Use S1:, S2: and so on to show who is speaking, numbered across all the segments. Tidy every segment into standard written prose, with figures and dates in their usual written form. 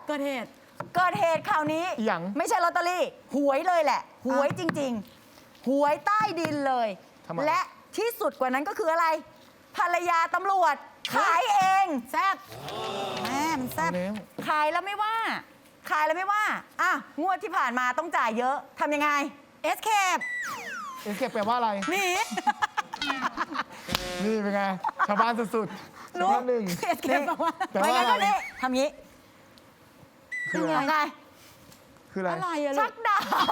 S1: เกิดเหตุ
S2: คราวนี้ไม่ใช่ลอตเตอรี่หวยเลยแหละหวยจริงๆหวยใต้ดินเลยและที่สุดกว่านั้นก็คืออะไรภรรยาตำรวจขายเองแซ่บแม่มันแซ่บขายแล้วไม่ว่าอ่ะงวดที่ผ่านมาต้องจ่ายเยอะทำยังไงเอสเคป
S3: แปลว่าอะไร
S2: หนี
S3: นี่เป็นไงชาวบ้านสุดๆชาวบ้านหนึ่ง
S2: เอสเคปแปลว่าอะไรทำงี้
S3: คือ
S2: อะไรชักดาบ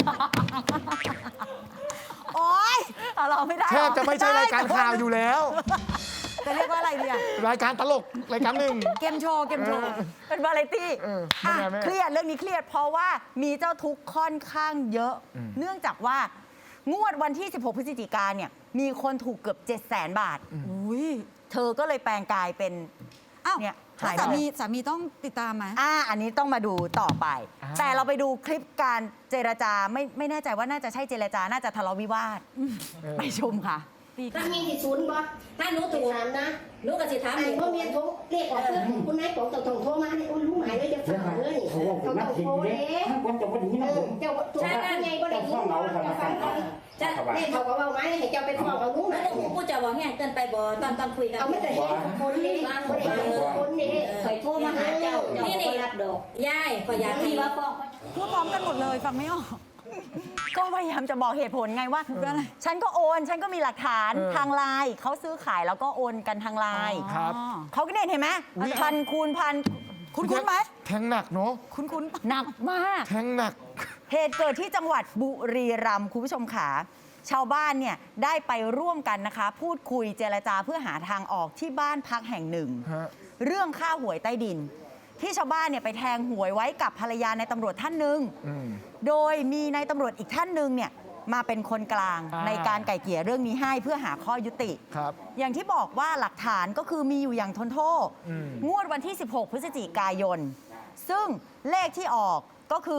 S2: โอ๊ยเราไม่ได้
S3: แทบจะไม่ใช่รายการข่าวอยู่แล้ว
S2: จะเรียกว่าอะไรเนี่ย
S3: รายการตลกรายการหนึ่ง
S2: เกมโชว์เป็นวาไรตี้เครียดเรื่องนี้เครียดเพราะว่ามีเจ้าทุกข์ค่อนข้างเยอะเนื่องจากว่างวดวันที่16 พฤศจิกายนเนี่ยมีคนถูกเกือบ700,000 บาทเธอก็เลยแปลงกายเป็นเนี่ย
S1: สามีต้องติดตามไหม
S2: อันนี้ต้องมาดูต่อไปแต่เราไปดูคลิปการเจรจาไม่แน่ใจว่าน่าจะใช่เจรจาน่าจะทะเลาะวิวาทไปชมค่ะ
S4: ถ้ามีที่ศูนย์บ่ถ้าหนูถูกถามนะหนูก็สิถามไอ้พ่อเมียโทรเรียกออกคุณนายบอกต้องโทรมาเนี่ยรู้หมายเลยจะฝากเลยเขาต้องโทรเลยเจ้าตัวไงบ่ได้ยินจะฟังก่อนจะเนี่ยเขาก็เว้าไม้ให้เจ้าไปฟ้องเอารู้นะผู้เจ้าบอกแห้งเกินไปบ่ตอนคุยกันเอาไม่แต่เห็นคนนี้คนนี้เคยโทรมาหาเจ้านี่รับดอกยายก็อยากที่ว่าฟ้อง
S1: พูดพร้อมกันหมดเลยฟังไม่ออก
S2: ก็พยายามจะบอกเหตุผลไงว่าฉันก็โอนฉันก็มีหลักฐานทางไลน์เขาซื้อขายแล้วก็โอนกันทางไลน์เขาก็เห็นไหมพันคูณพัน
S1: คุ้นไหม
S3: แทงหนักเนาะ
S1: คุ้น
S2: หนักมาก
S3: แทงหนัก
S2: เหตุเกิดที่จังหวัดบุรีรัมย์คุณผู้ชมขาชาวบ้านเนี่ยได้ไปร่วมกันนะคะพูดคุยเจรจาเพื่อหาทางออกที่บ้านพักแห่งหนึ่งเรื่องค่าหวยใต้ดินที่ชาวบ้านเนี่ยไปแทงหวยไว้กับภรรยาในตำรวจท่านหนึ่งโดยมีนายตำรวจอีกท่านหนึ่งเนี่ยมาเป็นคนกลางในการไก่เกลี่ยเรื่องนี้ให้เพื่อหาข้อยุติอย่างที่บอกว่าหลักฐานก็คือมีอยู่อย่างทนโทษงวดวันที่16 พฤศจิกายนซึ่งเลขที่ออกก็คือ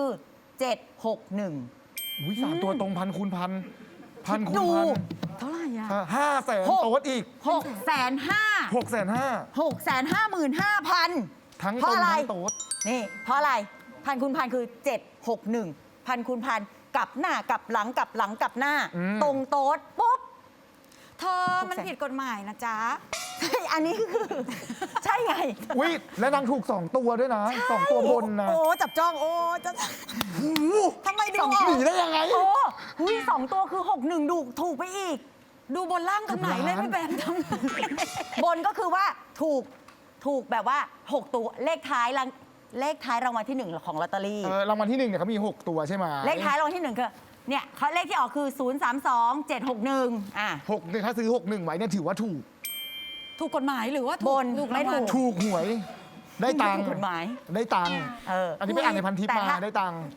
S2: 761
S3: 3 ตัวตรงพันคูณพันคูณพัน
S1: เท่าไหร่อ่ะ
S3: 500,000โต๊ดอีก
S2: 655,000ทั้ง
S3: ต้นทั้
S2: งโต๊ดนี่เพราะอะไรพันคูณพันคือ761พันคูณพันกลับหน้ากลับหลังกลับหลังกลับหน้าตรงโต๊ดปุ๊บ
S1: เธอมันผิดกฎหมายนะจ๊ะ
S2: ใช่อันนี้คือใช่ไง
S3: อุ้ยและนางถูก2 ตัวด้วยนะ2 ตัวบนนะ
S2: โอ้จับจ้องโอ้จะ
S1: ทำไมดู
S3: หนีได้ยังไง
S2: โอ้2 ตัวคือ61ดูถูกไปอีก
S1: ดูบนล่างตรงไหนเลยไม่เป็น
S2: บนก็คือว่าถูกแบบว่า6 ตัวเลขท้ายรางวัลที่1ของลอตเตอรี่
S3: รางวัลที่1เนี่ยเขามี6 ตัวใช่ไหม
S2: เลขท้ายรางวัลที่1คือเนี่ยเขาเลขที่ออกคือ032761
S3: 6ถ้าซื้อ61ไว้เนี่ยถือว่า
S1: ถูกกฎหมายหรือว่า
S2: บนไม่
S3: ถูกหวยได้ตังค์
S2: กฎหมาย
S3: ได้ตังค์อันนี้ไปอ่านในพันทิปมาได้ตังค์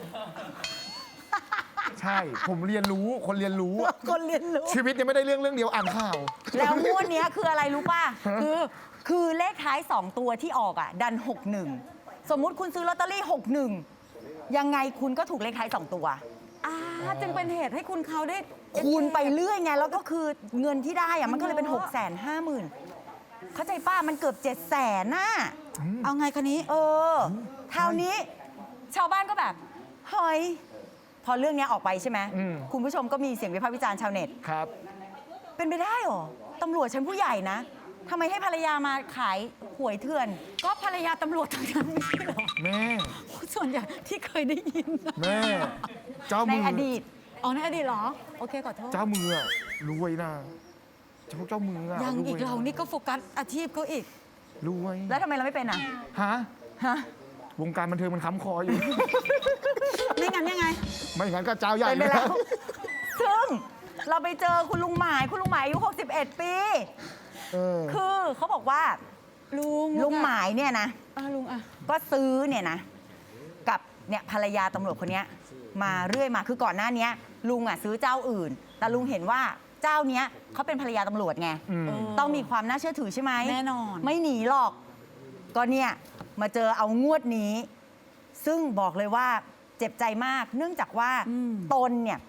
S3: ใช่ผมเรียนรู้คนเรียนรู้ชีวิตยังไม่ได้เรื่องเดียวอ่านข่าว
S2: แล้วงวดนี้คืออะไรรู้ป่ะคือเลขท้าย2 ตัวที่ออกดัน61สมมุติคุณซื้อลอตเตอรี่61ยังไงคุณก็ถูกเลขท้าย2 ตัว
S1: จึงเป็นเหตุให้คุณเขาได้
S2: คูณไปเรื่อยไงแล้วก็คือเงินที่ได้มันก็เลยเป็น650,000เข้าใจป้ามันเกือบ700,000น่ะ
S1: เอาไงคะนี้
S2: เท่านี้ชาวบ้านก็แบบเฮ้ยพอเรื่องนี้ออกไปใช่ไหมคุณผู้ชมก็มีเสียงวิพากษ์วิจารณ์ชาวเน็ต
S3: ครับ
S2: เป็นไปได้หรอตำรวจชั้นผู้ใหญ่นะทำไมให้ภรรยามาขายหวยเถื่อน
S1: ก็ภรรยาตำรวจทั้งนั้นไม่ใช่หรอ
S3: แม่
S1: ส่วนใหญ่ที่เคยได้ยิน
S3: แม่เจ้ามือ
S2: ในอดีต
S1: ในอดีตเหรอโอเคขอโทษ
S3: เจ้ามือรวยนะเจ้ามือ
S1: ยังอีกเรานี่ก็โฟกัสอาชีพเขาอีก
S3: รวย
S2: แล้วทำไมเราไม่เป็น
S3: ฮะวงการบันเทิงมันค้ำคออยู่
S1: ไม่งั้นยังไง
S3: ไม่งั้นก็เจ้าใหญ่
S2: ไปแล้วซึ่งเราไปเจอคุณลุงหมายอายุ61 ปีคือเขาบอกว่าลุงหมายเนี่ยนะ
S1: ลุง
S2: ก็ซื้อเนี่ยนะกับเนี่ยภรรยาตำรวจคนนี้มาเรื่อยมาคือก่อนหน้านี้ลุงซื้อเจ้าอื่นแต่ลุงเห็นว่าเจ้าเนี้ยเขาเป็นภรรยาตำรวจไงต้องมีความน่าเชื่อถือใช่ไหม
S1: แน่นอน
S2: ไม่หนีหรอกก็เนี่ยมาเจอเอางวดนี้ซึ่งบอกเลยว่าเจ็บใจมากเนื่องจากว่าตนเนี่ย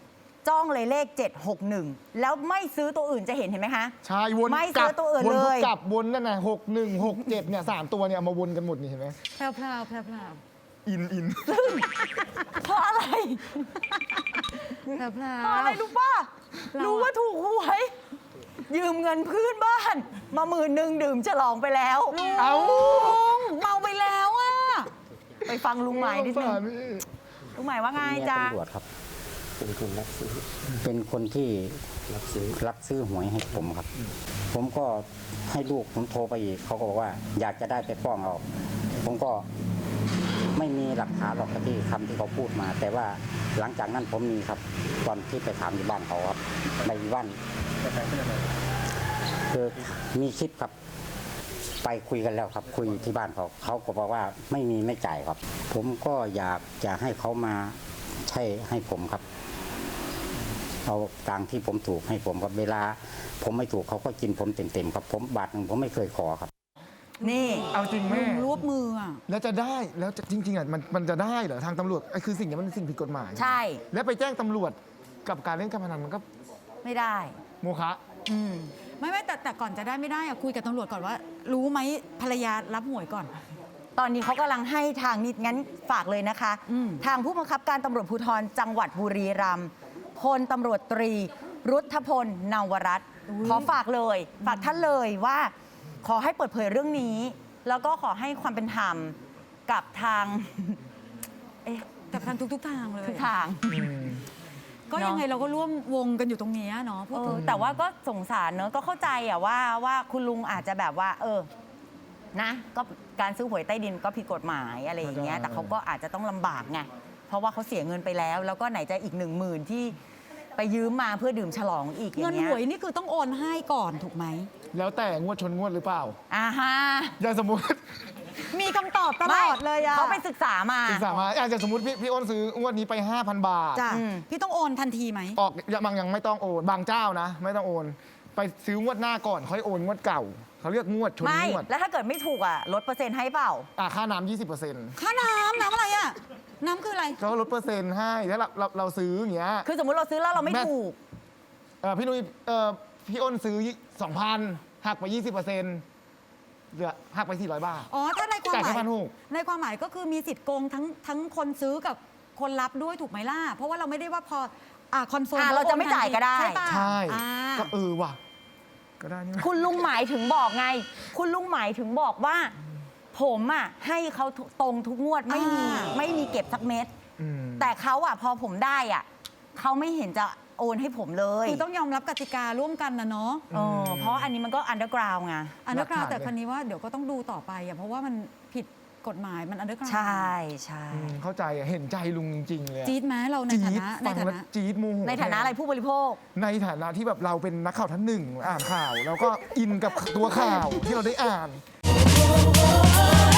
S2: จ้องเลยเลข 761 แล้วไม่ซื้อตัวอื่นจะเห็นไหมคะ
S3: ใช่วน
S2: ไม่
S3: กลั
S2: ซื้อตัวอื่น
S3: วน
S2: เลย
S3: กลับวนนั่นน่ะ61 67เนี่ย3ตัวเนี่ยเอามาวนกันหมดนี่เห็นไหม
S1: แพรวพราวแพรวพราว
S3: อิน
S2: เพราะอะไร
S1: แพรวพรา
S2: เพราะ
S1: ว
S2: อะไรรู้ป่ะ รู้ว่าถูกหวย ยืมเงินเพื่อนบ้าน มา10,000ดื่มฉลองไปแล้ว
S3: เอา
S1: ลุงเมาไปแล้วอ่ะ
S2: ไปฟังลุงหมายนิดนึง
S3: สงสารพี่
S2: ลุงหมายว่าไง
S5: เมีย
S2: จ๊ะ
S5: ตำรวจครับ เป็นคนรับซื้อ เป็นคนที่รับซื้อหวยให้ผมครับ ผมก็ให้ลูกผมโทรไปอีกเขาก็บอกว่าอยากจะได้ไปฟ้องเอา ผมก็ไม่มีหลักฐานหรอกครับที่คำที่เขาพูดมา แต่ว่าหลังจากนั้นผมมีครับ ตอนที่ไปถามที่บ้านเขาครับในบ้านคือมีคลิปครับ ไปคุยกันแล้วครับ คุยที่บ้านเขาก็บอกว่าไม่มีไม่จ่ายครับ ผมก็อยากจะให้เขามาใช่ให้ผมครับ เอาตังค์ที่ผมถูกให้ผมครับเวลา ผมไม่ถูกเขาก็กินผมเต็มๆครับ ผมบาทหนึ่งผมไม่เคยขอครับ
S2: นี่
S3: เอาจริงแม่
S1: ลุงรวบมืออ่ะ
S3: แล้วจะได้แล้วจริงๆอ่ะมันจะได้เหรอทางตำรวจไอ้คือสิ่งนี้มันเป็นสิ่งผิดกฎหมาย
S2: ใช่
S3: แล้วไปแจ้งตำรวจกับการเล่นการพนันมันก็
S2: ไม่ได้
S3: โมฆะ
S2: อืม
S1: ไม่แต่ก่อนจะได้ไม่ได้อะคุยกับตำรวจก่อนว่า รู้ไหมภรรยารับหวยก่อน
S2: ตอนนี้เขากำลังให้ทางนิดงั้นฝากเลยนะคะ
S1: อืม
S2: ทางผู้บังคับการตำรวจภูธรจังหวัดบุรีรัมย์พลตำรวจตรี รุทธพลนวรัตน์ขอฝากเลย ฝากท่านเลยว่าขอให้เปิดเผยเรื่องนี้ แล้วก็ขอให้ความเป็นธรรมกับทาง เอ๊ะ
S1: กับทางทุกทางเลย
S2: ทุกทาง
S1: ก็ยังไงเราก็ร่วมวงกันอยู่ตรงนี้เนาะพูดถึง
S2: แต่ว่าก็สงสารเนอะก็เข้าใจอะว่าคุณลุงอาจจะแบบว่า นะก็การซื้อหวยใต้ดินก็ผิดกฎหมายอะไรอย่างเงี้ย
S3: เข้าใจ
S2: แต่เขาก็อาจจะต้องลำบากไงเพราะว่าเขาเสียเงินไปแล้ว แล้วก็ไหนจะอีก10,000ที่ไปยืมมาเพื่อดื่มฉลองอีกอ
S1: เงิ
S2: ย่าน งเงี้
S1: หวยนี่คือต้องโอนให้ก่อนถูกไหม
S3: แล้วแต่งวดชนงวดหรือเปล่า
S2: อ่าฮะ
S3: อย่างสมมติ
S1: มีคำตอบตลอดเลยอะ
S2: เขาไปศึกษามา
S3: ศึกษามาอย่างสมมติพี่อ้นซื้องวดนี้ไป 5,000 บาท
S1: จ้ะ
S2: อืม
S1: พี่ต้องโอนทันทีไหม
S3: ออกบางยังไม่ต้องโอนบางเจ้านะ ไม่ต้องโอน ไปซื้องวดหน้าก่อนค่อยโอนงวดเก่าเขาเรียกงวดชน
S2: ไม่
S3: งวด
S2: แล้วถ้าเกิดไม่ถูกลดเปอร์เซ็นต์ให้เปล่า
S3: ค่าน้ำ 20%
S1: ค่าน้ำอะไรอะน้ำคืออะไร
S3: เขาลดเปอร์เซ็นต์ให้ถ้าเราซื้ออย่างเงี้ย
S2: คือสมมุติเราซื้อแล้วเราไม่
S3: แม่
S2: ถูก
S3: พี่นุ้ยพี่อ้นซื้อ 2,000 หักไป 20%เหลือหักไป 400 บาท
S1: อ๋อ ถ้าในความห
S3: จ่าย
S1: มา
S3: แค่
S1: ย
S3: 1,600
S1: ในความหมายก็คือมีสิทธิ์โกงทั้งคนซื้อกับคนรับด้วยถูกไหมล่ะ เพราะว่าเราไม่ได้ว่าพอคอนเฟิร์ม
S2: เราจะไม่จ่ายก็ได้
S1: ใช่ป่ะ
S3: ใช่
S1: อ่า
S3: ก็ว่ะ ก็ได้นี่
S2: คุณลุงหมายถึงบอกไง คุณลุงหมายถึงบอกว่า ผมให้เขาตรงทุกงวดไม่มีเก็บสักเม็ด
S3: อืม
S2: แต่เขาพอผมได้เขาไม่เห็นจะโอนให้ผมเลย
S1: คือต้องยอมรับกติการ่วมกันนะเนาะ
S2: เพราะอันนี้มันก็อันเดอร์กราวไง
S1: อันเดอร์กราว
S3: หลักฐาน
S1: แต่คันนี้ว่าเดี๋ยวก็ต้องดูต่อไปอะเพราะว่ามันผิดกฎหมายมันอันเดอร์กราว
S2: ใช่ใช่
S3: เข้าใจเห็นใจลุงจริงๆเลยอะ
S1: จี๊ดไหมเราใน
S3: จี๊
S1: ฐา
S3: ด
S1: นะใน
S3: ฟัง
S1: ฐา
S3: แล้ว
S1: นะ
S3: จี๊ดโมโห
S2: ในฐานะอะไรผู้บริโภค
S3: ในฐานะที่แบบเราเป็นนักข่าวท่านหนึ่งอ่านข่าว แล้วก็อินกับตัวข่าวที่เราได้อ่าน